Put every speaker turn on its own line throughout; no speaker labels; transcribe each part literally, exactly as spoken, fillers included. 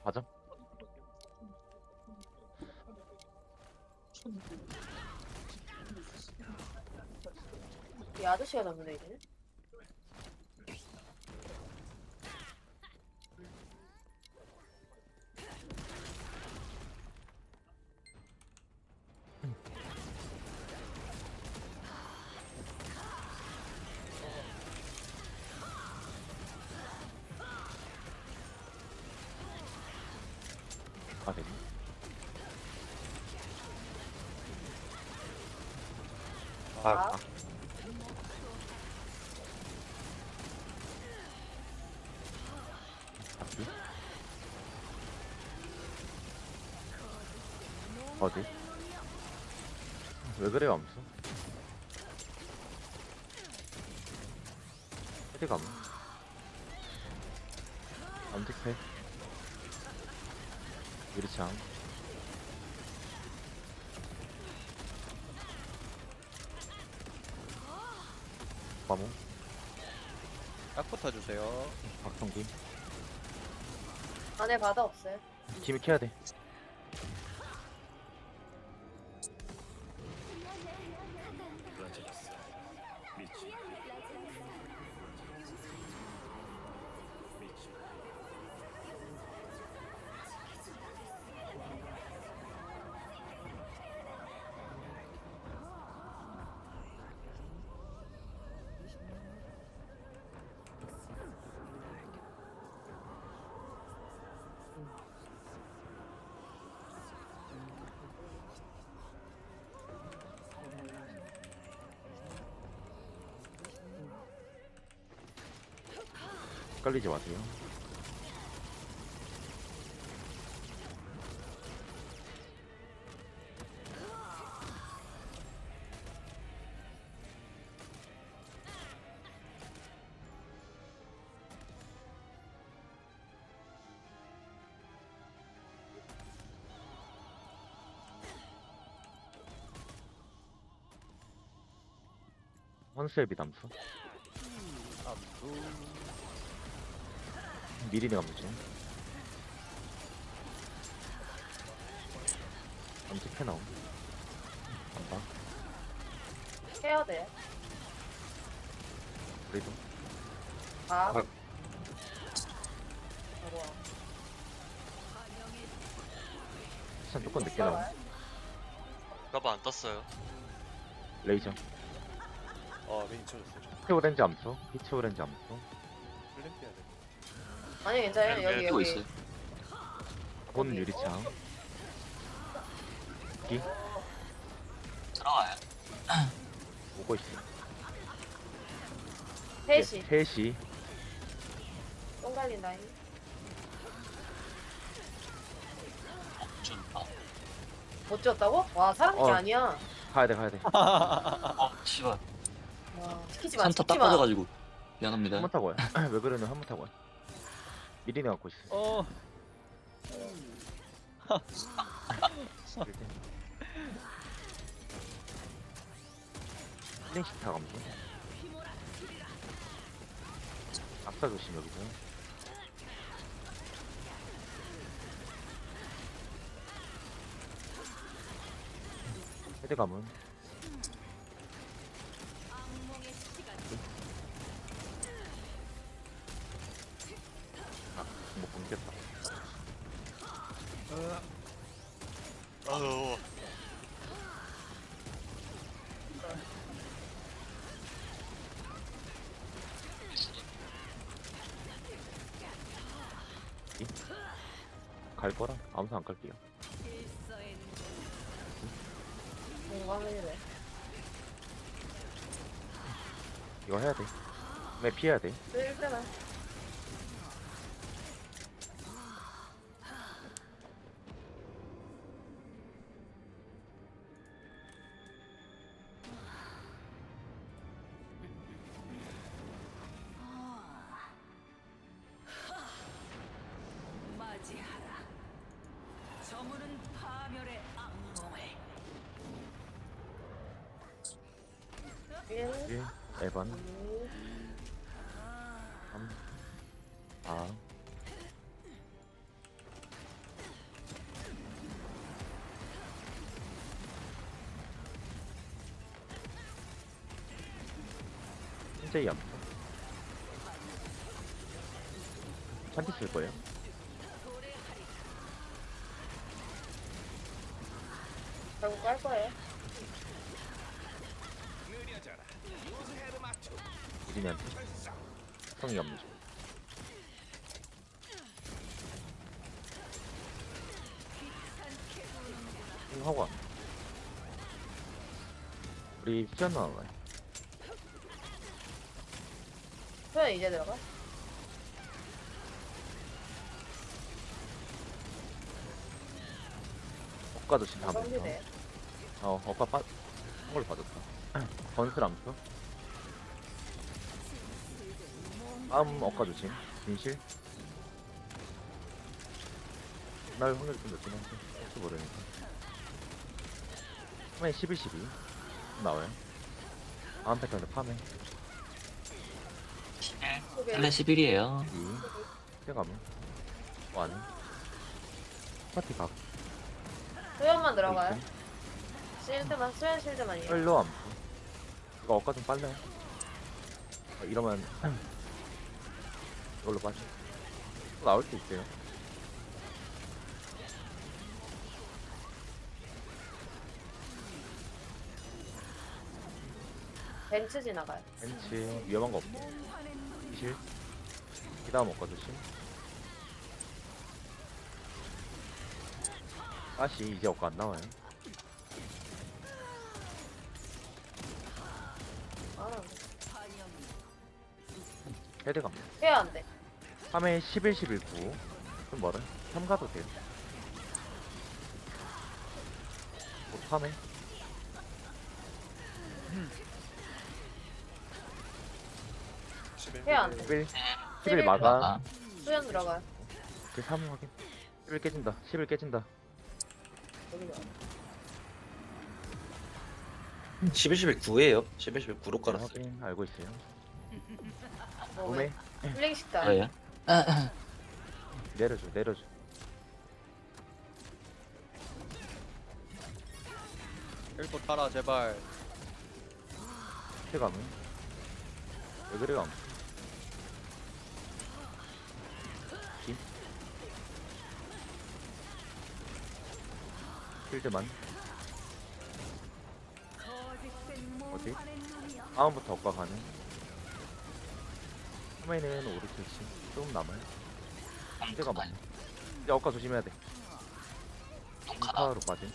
가자.
이 아저씨가 잡네 이제.
아, 되네.
아,
아, 잡기. 어디? 왜 그래요, 암수? 어디 가면? 암택패. 유리창. 과목.
딱 붙어주세요.
박성기.
안에 바다 없어요.
짐이 캐야 돼. 헷갈리지 마세요. 헌셀비 담수.
암수.
미리네 감수. 암택패 나옴. 간다.
해야 돼.
그래도.
아.
아.
아이고야.
시간 조금 늦게 나옴.
까봐 안 떴어요.
레이저.
어, 메인 쳐줬어.
피치 오렌지 암수. 피치 오렌지 암수.
플랜 해야 돼.
아니 괜찮아요.
네,
여기
뜨고
여기.
있어요.
본 유리창. 기.
들어와요.
오고 있어.
셋이
셋이.
똥 갈린다잉.
좀, 어,
못 지었다고? 와 사람이
어.
아니야.
가야 돼, 가야 돼.
어, 씨발.
와 시키지 마.
산타 딱
시키지 마.
빠져가지고. 미안합니다.
한 번 타고 와요. 왜 그러냐, 한 번 타고 와요. 미리네 갖고 있어.
어,
힐링식 타 감수. 앞사 조심, 여기서. 헤드 감은. 아, 못 끊겼다.
아유.
갈 거라? 아무도 안 갈게요.
뭔가 하면 이래.
이거 해야 돼. 왜 피해야 돼?
쓸 때만.
맞이하라. 저물은 파멸의 악몽을.
일,
일, 에반,
이,
삼, 사, 신제이 암수. 찬티 쓸 거예요.
결국 깔 거예요.
미린이한테. 성이 암수. 이거 하고 와. 우리 수연 나와요.
소연 이제 들어가?
엇가도 진 다음부터.
성지대.
어, 엇가 빠, 한 걸로 빠졌다. 건슬 암수. 다음 엇가 조심. 진실. 날 확률이 좀 높긴 한데, 혹시 모르니까. 파메 십일, 십이. 나와요. 다음 패턴은 파메.
십일.
소개.
원래 십일이에요.
이. 세가면. 완. 파티 각.
소연만 들어가요. 실드만, 소연 실드만이에요.
헬로 암수. 이거 엇가 좀 빨라요. 어, 이러면 이걸로 빠져. 또 나올 수 있어요.
벤츠 지나가요.
벤치 위험한 거 없고. 실. 그 다음 엇가 조심. 다시 이제 엇가 안 나와요.
아,
헤드 갑니다.
해야 안 돼.
삼 회 십일, 십일, 구. 좀 멀어요. 삼 가도 돼요. 뭐 삼 회.
십일.
해야 안 돼.
십일.
십일
십일 마감.
아,
소연 들어가요.
그 삼 확인. 십일 깨진다. 십일 깨진다.
여기 들어가.
십일, 십일 구예요. 십일, 십일 구로 깔았어요.
확인. 알고 있어요.
몸에
몸에
플레이 식단.
저예요?
내려줘. 내려줘.
일도 타라 제발.
해감은. 왜 그래요? 김. 필드만. 어디? 다음부터 엇가 가는. 처음에는 오르트치. 조금 남아요. 필드가 많아. 이제 엇가 조심해야 돼.
똥카다.
인파로 빠진.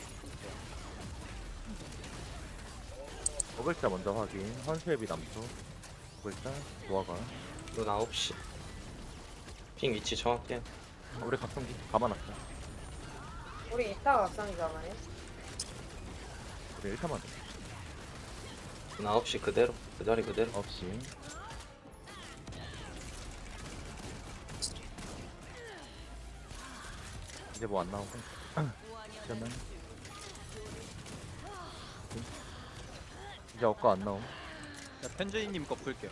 어글자 먼저 확인. 헌수앱이 남수. 어글자 노아가.
눈 아홉 시. 핑 위치 정확해.
아, 우리 각성기 감아놨다.
우리 이타 각성이잖아요.
우리 일 타만
눈 아홉 시 그대로. 그 자리 그대로.
없이. 이제 뭐 안 나오고. 그러면 이제 엇가 안 나옴.
야, 펜제이님 거 풀게요.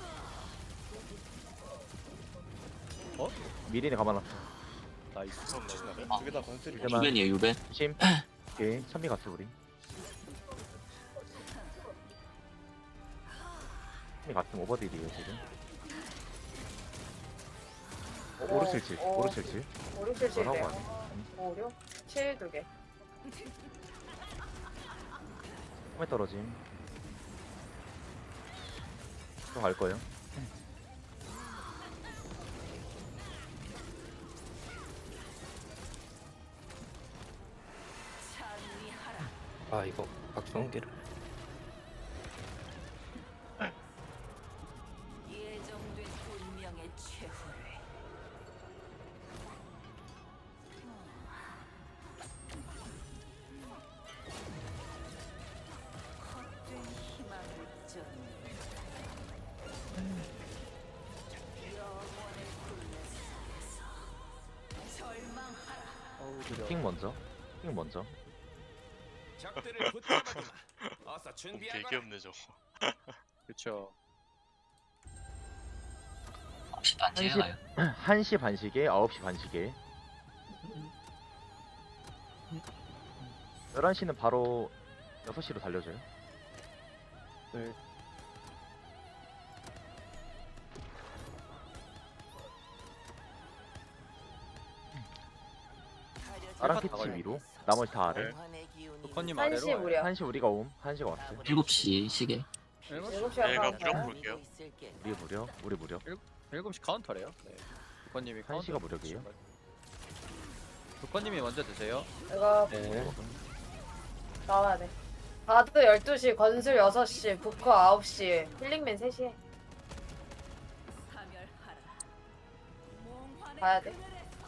미리네 감아놨어.
나이스.
아.
두개 다 건슬이.
이제만
유벤이에요, 유벤.
조심. 오케이. 찬미 갔어 우리. 찬미 갔으면 오버딜이에요 지금. 어, 오르칠칠.
어.
오르칠칠.
오륙칠칠
뭐라고
돼요.
하네.
오륙? 칠 두 개.
처음에 떨어짐. 또 갈 거예요.
아 이거 박성기를.
예정된 운명의 최후를 헛된 희망을 쫓는 영원의 굴레 속에서 절망하라.
어우 느려.
핑 먼저. 핑 먼저.
적들을 붙잡아주마. 어서 준비하거라.
되게 없네 저거.
그쵸.
혹시 반지에
한시-
가요?
한 시 반시계, 아홉 시 반시계. 열한 시는 바로 여섯 시로 달려줘요.
네.
나랑
힐팟 다
캐치
걸려.
위로. 나머지 다 아래.
조커님
한시
아래로.
무려.
한시 우리가 옴. 한시가 왔어요.
일곱 시 시계.
일곱 시
일곱 시간
내가
가는
무력
거야.
볼게요.
우리 무력. 우리 무력.
일곱 시 카운터래요. 네. 조커님이 카운터.
한시가 무력이에요?
조커님이 먼저 드세요.
이거
네.
나와야 돼. 바드 열두 시, 건술 여섯 시, 부커 아홉 시, 힐링맨 세 시에 가야 돼.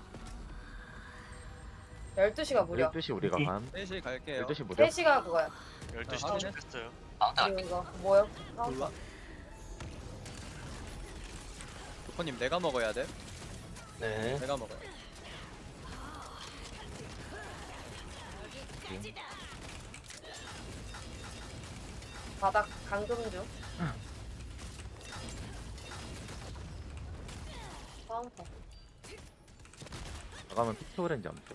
열두 시가 무려.
열두 시 우리가 감.
세 시 갈게요.
열두 시 무력.
세 시가 그거야.
열두 시
아, 확인해.
도착했어요.
카운터
그리고 이거 뭐요?
몰라. 조커님 내가 먹어야 돼.
네.
내가 먹어야 돼.
바닥 강금 중. 카운터.
나가면 픽토그랜지 암죠.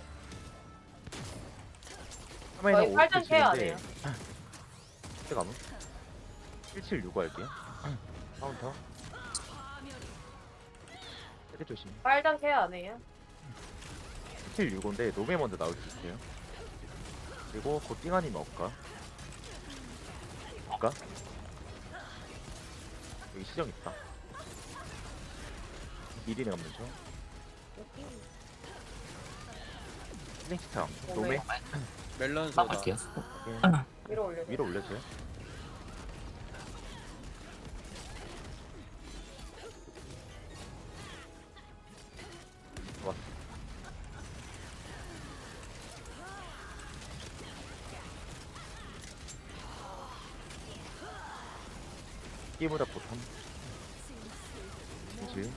거의 팔 점 케어 아니에요?
그때 가면 일칠육오 할게요. 카운터. 세대 조심.
빨간 케어 안 해요?
일칠육오인데 노메 먼저 나올 수 있어요. 그리고 곧 띵아님이 올까? 올까? 여기 시정 있다. 미리네 가면 죠 스낵스타 노메
멜론
아,
소다.
갈게요.
위로 올려.
위로 올려줘요. 왔어. 끼보다 보통 그치?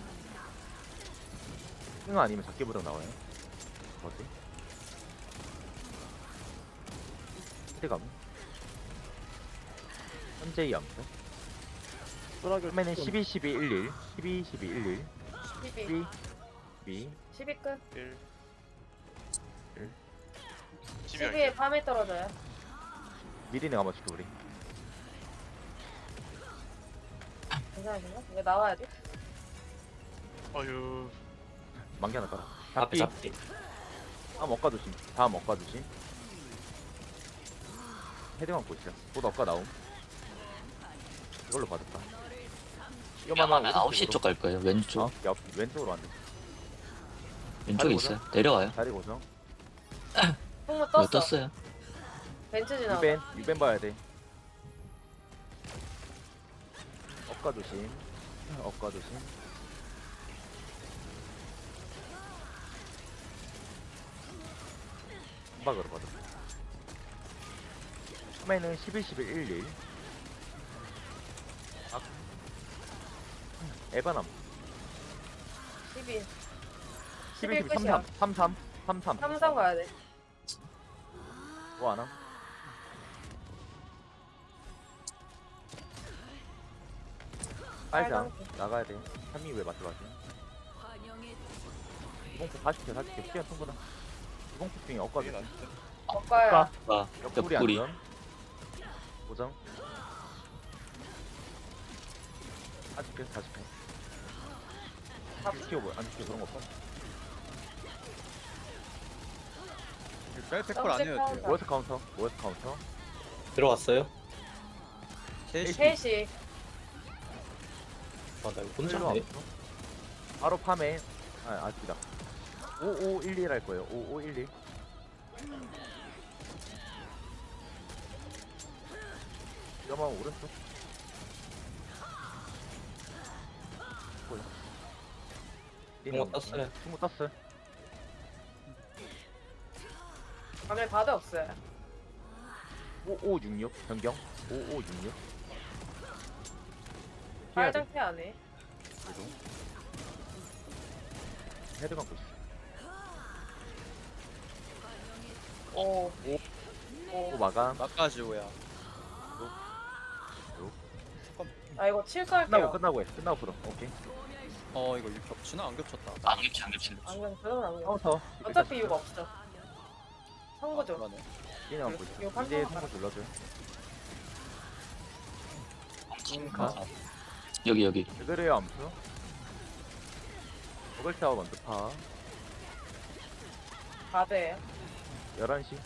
승어 아니면 작게보다 나와요. 어디? 시대감 현재의 암수 그러면은 십이, 십이, 일일 십이, 십이, 일일
십이.
십이, 십이
십이 끝.
일.
일.
십이
십이에
할게요.
밤에 떨어져요.
미리 내가 맞출게 우리.
괜찮으신가? 이거 나와야 돼?
어휴.
만개 하나 깔아.
앞에
잡기.
잡기.
다음 엇가 조심. 다음 엇가 조심. 헤딩만 보시죠. 곧 엇가 나옴. 이걸로 받았다.
위험하면 아홉 시 쪽 갈 거예요. 왼쪽.
어? 옆 왼쪽으로 안 돼.
왼쪽에
다리
있어요. 내려와요.
자리 고정.
풍무
이거
떴어.
떴어요.
벤츠 지나가.
유벤 유벤 봐야 돼. 엇가 조심. 엇가 조심. 한박으로 받았다. 처음에는 십일, 십일, 일일. 아. 에바남.
십이.
십일, 십일,
끝이야.
삼삼. 삼삼. 삼삼.
삼성 가야 돼.
뭐 하나? 빨장 나가야 돼. 삼이 왜 맞지 마세요. 이공포 사십 개, 사십 개. 시간 충분하. 이공포 중에 엇가 조심.
엇가야.
아,
옆구리
옆구리.
안전. 고정. 사십 개, 사십 개. 안 지켜 뭐야? 안 지켜 그런 거 없어.
뺄백콜 안 해도 돼요.
모여스 카운터. 모여스 카운터.
들어왔어요?
세 시.
세 시.
아, 나 이거 혼자
일로
하네.
왔어. 바로 팜에 아 아직이다. 오오일일 할 거예요. 오오일일. 위험하면 오른쪽. 뭐야?
승모 떴어요.
승모 떴어요.
밤에 바드 없어요.
오오육육 변경. 오오육육. 해야 돼.
빨장 케어 안 해.
그래도. 헤드 감고 있어.
오.
오 마감.
막가지오야.
아 이거 칠
끝나고
걸게요.
끝나고 해. 끝나고 풀어. 오케이.
어 이거 겹치나 안 겹쳤다.
안 겹치 안 겹치.
안경 그러면 안경.
카운터.
어차피 이유가 없어. 선거죠.
그러네.
그냥 감고 있어.
이거
이제
판단하라.
선거 눌러줘요.
아, 여기 여기.
왜 그래요 암수? 버글 타워 먼저 파.
바드예요.
열한 시.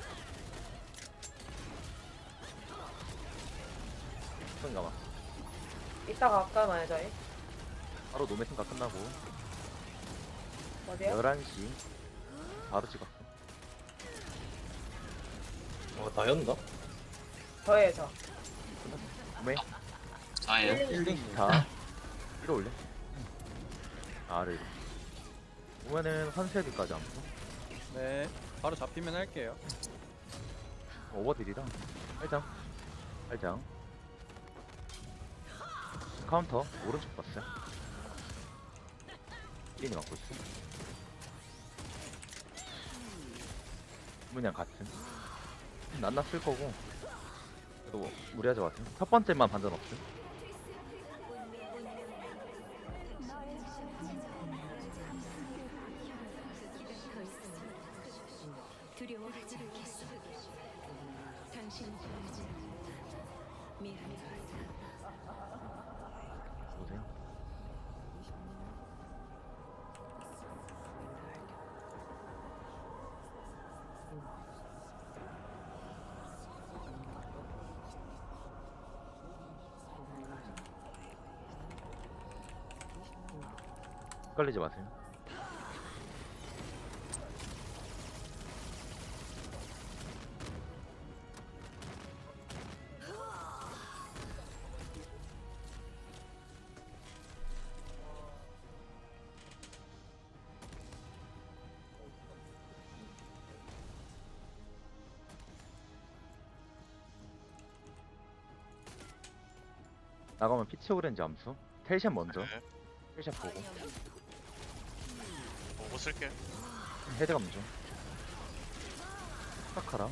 손 감아.
이따가 갈까요, 저희?
바로 노메 생각 끝나고.
어디요?
열한 시. 바로 찍었어.
어 나였나?
저예요, 저.
노메.
저예요.
힐링 스타. 위로 올려. 아래 위로. 보면은 환세드까지 안 써.
네. 바로 잡히면 할게요.
오버딜이랑 팔장. 팔장. 카운터 오른쪽 봤어요. 힐링이 맞고 있어. 그냥 같은. 난나 쓸 거고. 또 무리하지 마세요. 첫 번째만 반전 없음.
두려워하지 않겠어. 당신을 보지 미안해.
보세요. 헷갈리지 마세요. 나가면 피치 오렌지 암수. 텔샷 먼저.
네.
텔샷 보고.
보고 쓸게.
헤드 감죠. 스타카랑.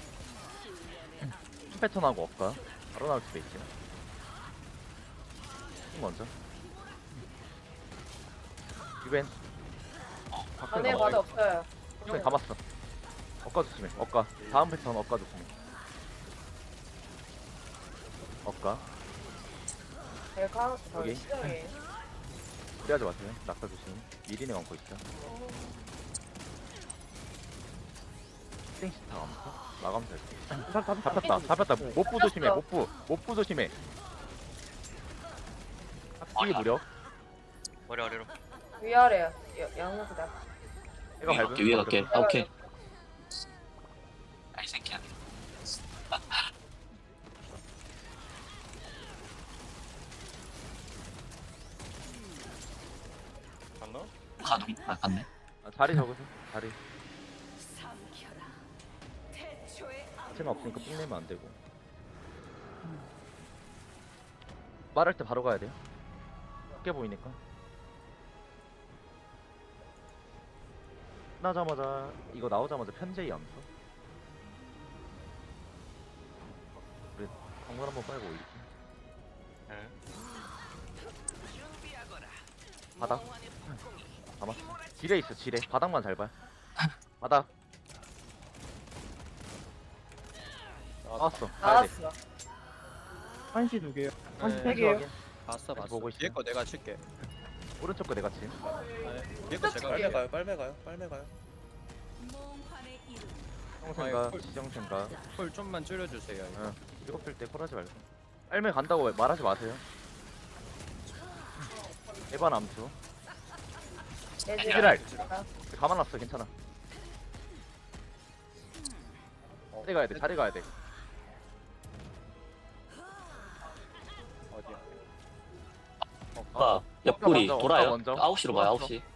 패턴하고 업가. 바로 나올 수도 있죠. 힘 먼저. 유벤.
안에 바드 없어요.
유벤 감았어. 업가 조심해. 업가. 다음 패턴 업가 조심해. 업가.
벨카, 저
여기.
시정이에요.
무리하지 마세요. 낙타 조심. 미리네 감고 있어. 스팅시타 감고. 마감살. 잡혔다. 잡혔다. 못부 조심해. 못부. 못부 조심해. 합기 무력.
머리 아래로.
위아래요. 양무기다.
얘가
위에
밟으면
갈게, 위에
먼저.
갈게. 아, 오케이. 아이 새끼야.
갔나?
가동. 아, 갔네.
아, 자리 적으세요. 자리.
삼켜라. 태초의
자체가 없으니까 삥 내면 안 되고. 말할 때 바로 가야 돼요. 쉽게 보이니까. 나자마자 이거 나오자마자 편제이 암수. 그래 광물 한번 빨고 올릴게.
네.
바닥. 봐봐. 지뢰 있어 지뢰. 바닥만 잘 봐. 바닥. 나왔어. 가야 돼.
나왔어.
한시 두 개요. 한시
네.
세 개요.
봤어, 봤어.
보고 있어요.
뒤에 거 내가 칠게.
오른쪽 거 내가 침.
아, 네. 뒤에 거 제가
빨리
할게.
가요 빨매 가요 빨매 가요.
몽환의 이름.
형생각,
아이고.
지정생각.
콜 좀만 줄여주세요. 이거.
응. 일곱 필때 콜하지 말고. 빨매 간다고 말하지 마세요. 에반 암수.
예지랄.
가만 놨어 괜찮아. 자리 가야 돼. 자리 가야 돼.
어디야?
아, 옆구리
먼저,
돌아요.
먼저.
아홉 시로 봐요, 아홉
들어왔어.
시.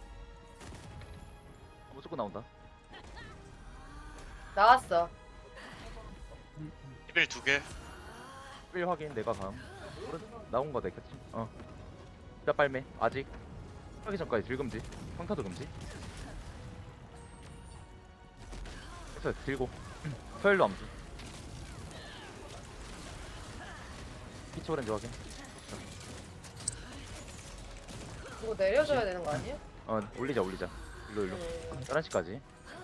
무조건 나온다.
나왔어.
이벨 두 개.
일 확인 내가 감. 오른 나온 거 내겠지. 어. 몇 발매 아직. 하기 전까지 들금지. 평타도 금지. 그래서 들고. 서열로 암수. 피치 오렌지 확인.
이거 내려줘야 되는 거 아니에요?
어 올리자 올리자. 일로 일로.
네.
열한 시까지.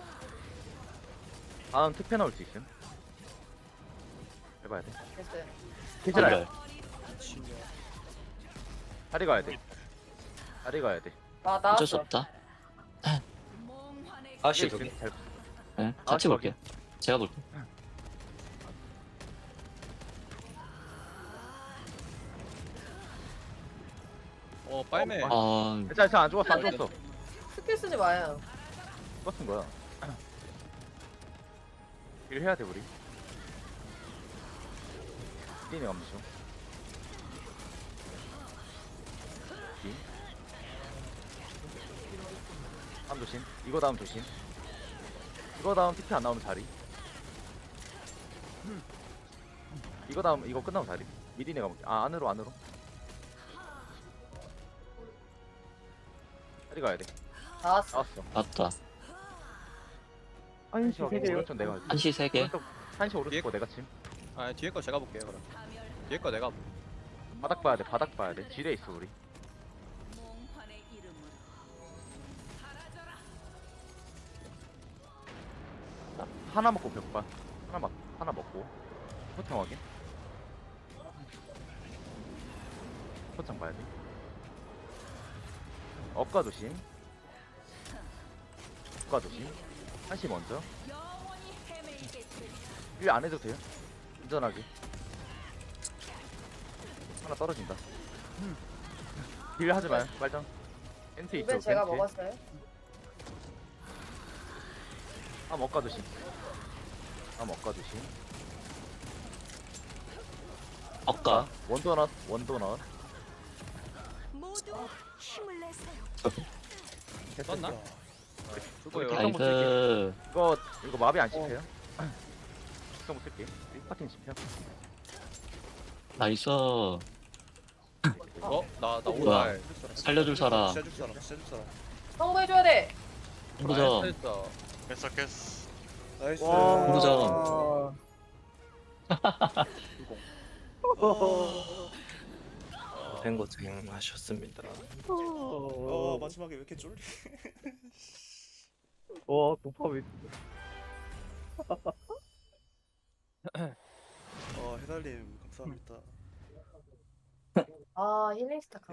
다음 특패 나올 수 있음. 해봐야 돼.
됐어요.
캐즈랄.
미친년.
다리 가야 돼. 다리 가야 돼.
아,
어쩔 수
나왔어.
없다.
몽환의
아씨
이게
두 개.
잘-
네, 같이
아,
볼게요. 제가 볼게요.
어 빨매.
아,
괜찮아 괜찮아 안 죽었어 안 죽었어.
스킬 쓰지 마요.
죽었은 거야. 일 해야 돼 우리. 뛰네 감수. 이. 다음 조심. 이거 다음 조심. 이거 다음 티피 안 나오면 자리. 이거 다음 이거 끝나면 자리. 미디네 가볼게. 아 안으로 안으로. 자리 가야 돼.
나왔어.
나왔어.
맞다.
한시 세 개요.
오른쪽 내가. 할게.
한시 세 개.
오른쪽 한시 오른쪽 거 내가 침.
아 뒤에 거 제가 볼게요 그럼. 뒤에 거 내가. 볼-
바닥 봐야 돼. 바닥 봐야 돼. 지뢰 있어 우리.
몽환의 이름으로
하나 먹고 벽반. 하나 먹 하나 먹고. 포창 확인. 포창 봐야 돼. 엇가 조심. 엇가 조심. 한시 먼저.
영원히 헤매이겠지.
일 안 해도 돼요. 안전하게. 하나 떨어진다. 딜 하지 마요. 빨장. 엔트 있죠.
이번 제가
엔트.
먹었어요.
아 먹가 조심. 아 먹가 조심.
억가.
원도넛 원도넛.
모두 힘을 내세요.
떴나?
우리
죽어요.
다-
나이스.
이거 이거 마비 안 씹혀요? 특성 쓸게. 파팅 씹혀.
나이스.
어? 나나
뭐야.
오늘.
살려줄 사람.
줄 사람. 줄 사람.
성공해줘야 돼.
홍구점.
했어.
깼어 깼어.
나이스.
홍구점.
고생 고생하셨습니다.
어,
마지막에 왜 이렇게 쫄리?
와, 도파 왜?
어 해달님 감사합니다.
아 힐링 스타